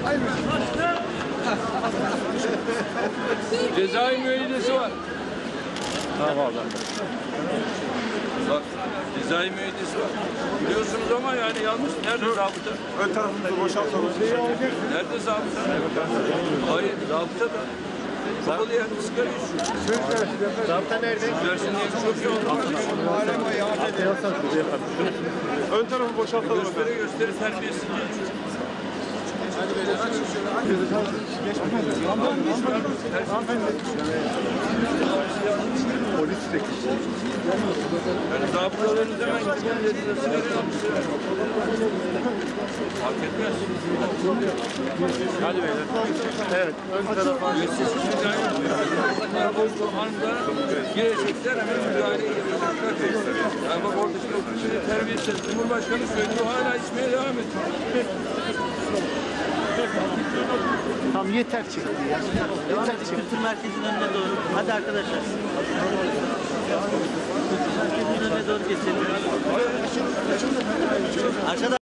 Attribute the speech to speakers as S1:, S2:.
S1: Cezai müeyyidesi var.
S2: Tamam.
S1: Bak, cezai müeyyidesi var. Biliyorsunuz ama yani yanlış. Nerede zabıta?
S2: Ön tarafımızı boşaltalım.
S1: Nerede zabıta? Hayır, zabıta da. Kapalı yerde sigara içiyor.
S2: Zabıta nerede?
S1: Dersin diye çok iyi oldu.
S2: Ön tarafı boşaltalım.
S1: Gösteri terbiyesiz geçiyor.
S2: Polis çekişti.
S1: Yani zabıtaların hemen gitmelerinde sigara almışlar. Fark etmez.
S2: Hadi beyler. Evet. Ön tarafa.
S1: Bu anda girecekler hemen müdahaleye girecekler. Yani bak oradaki okuyucu terbiyesiz. Cumhurbaşkanı söylüyor hala içmeye devam ediyor.
S3: Tamam yeter çıktı ya. Yeter çıktı.
S4: Kültür merkezinin önüne doğru. Hadi arkadaşlar. Kültür merkezinin önüne doğru geçelim. Arkadaşlar.